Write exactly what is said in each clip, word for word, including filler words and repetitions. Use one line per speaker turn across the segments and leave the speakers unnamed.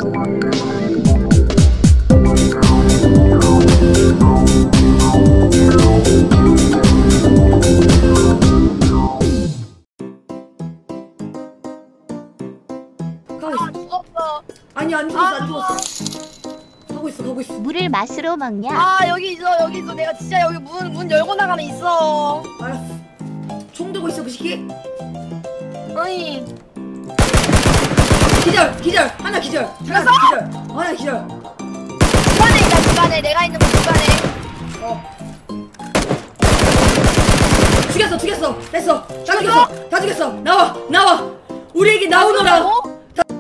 아, 죽었어.
아니 안 죽었어 안 죽었어. 가고 있어 가고 있어.
물을 맛으로 먹냐?
아 여기 있어 여기 있어. 내가 진짜 여기 문 문 열고 나가면 있어.
알았어. 총 들고 있어 그 시기.
어이.
기절 기절 하나 기절. 하나
죽었어?
기절. 하나 기절.
집안에 있다 집안에. 내가 있는 곳 집안에.
어. 죽였어 죽였어 됐어. 다 죽였어 다 죽였어. 나와 나와. 우리에게 나오너라.
죽었다고?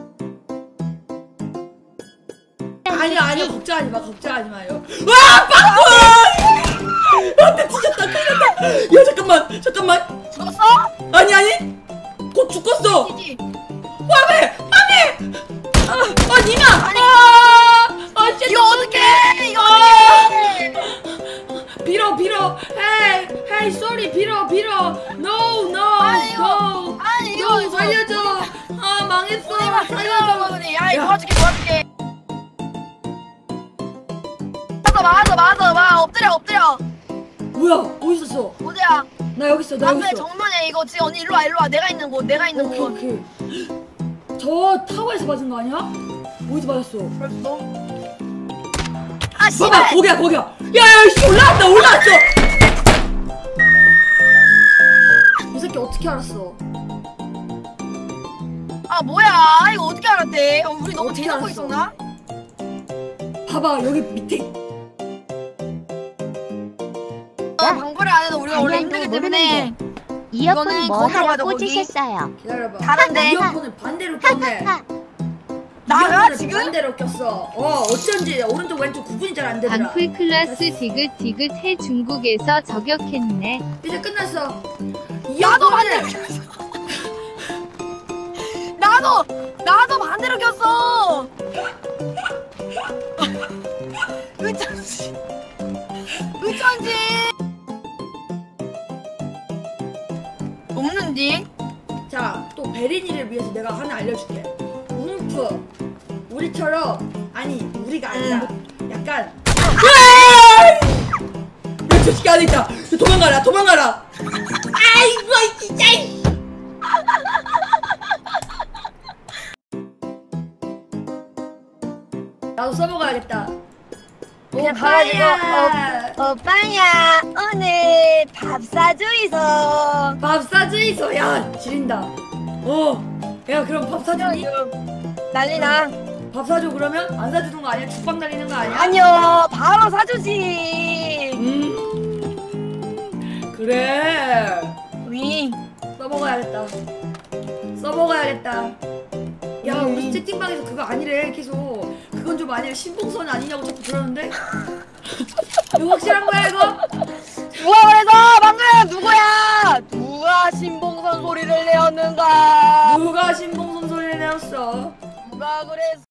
아니야 아니야 걱정하지 마 걱정하지 마요. 와 빵꾸! 안돼 뒤졌다 큰일 났다. 야 잠깐만 잠깐만.
죽었어?
아니 아니 곧 죽었어.
이지.
와메 와메. 아, 아 니마.
아니.
아, 아 진짜.
이거 어떡해 이거
아.
어떡해.
빌어 빌어. 헤이 헤이 쏘리 빌어 빌어. 노 노.
아니, 이거.
노.
아니 이거
노 살려줘. 아 망했어.
살려줘.
살려줘.
야 이거
야.
도와줄게 도와줄게. 맞아 맞아 맞아 엎드려 엎드려.
뭐야 어디 있었어?
어디야?
나 여기 있어 나 여기
앞에
있어.
정면에 이거 지금 언니 일로 와 일로 와. 내가 있는 곳 내가 있는
오케이
곳.
오케이. 저 타워에서 맞은 거 아니야? 어디서 맞았어?
벌써? 아
봐봐
씨발.
거기야 거기야. 야야 씨 올라왔다 올라왔어. 이 새끼 어떻게 알았어?
아 뭐야 이거 어떻게 알았대? 어, 우리 너무
어떻게
대놓고
알았어?
있었나?
봐봐 여기 밑에.
어, 방구를 안 해도 우리가 원래
방향도
힘들기 때문에
이어폰
이거는
뭐
거기로
하러
가자, 거기.
꽂으셨어요?
기다려봐.
다른데?
이어폰을 반대로 꼈네.
나가
이어폰을
지금?
반대로 꼈어. 어 어쩐지 오른쪽 왼쪽 구분이 잘 안 되더라.
방풀 클라스 디귿디귿해 중국에서 저격했네.
이제 끝났어.
나도
이어폰을
반대로 꼈어. 나도 나도 반대로 꼈어. 의천지 의천지 없는지.
자, 또 베린이를 위해서 내가 하나 알려줄게. 움프 우리처럼 아니 우리가 아니라 약간 야, 저 새끼 안에 있다. 도망가라 도망가라. 아이고 진짜. 나도 써먹어야겠다.
그냥 가가지고 어, 오빠야 오늘 밥 사주이소.
밥 사주이소. 야 지린다. 어. 야 그럼 밥 사주니?
난리나.
밥 사줘 그러면? 안 사주는 거 아니야? 죽방 달리는 거 아니야?
아니요 바로 사주지.
음 그래.
위.
써먹어야겠다. 써먹어야겠다. 야
음.
우리 채팅방에서 그거 아니래 계속. 그건 좀 아니래. 신봉선 아니냐고 자꾸 그러는데. 이거 확실한 거야 이거?
누가 그래서 방금 누구야? 누가 신봉선 소리를 내었는가?
누가 신봉선 소리를 내었어?
누가 그랬어?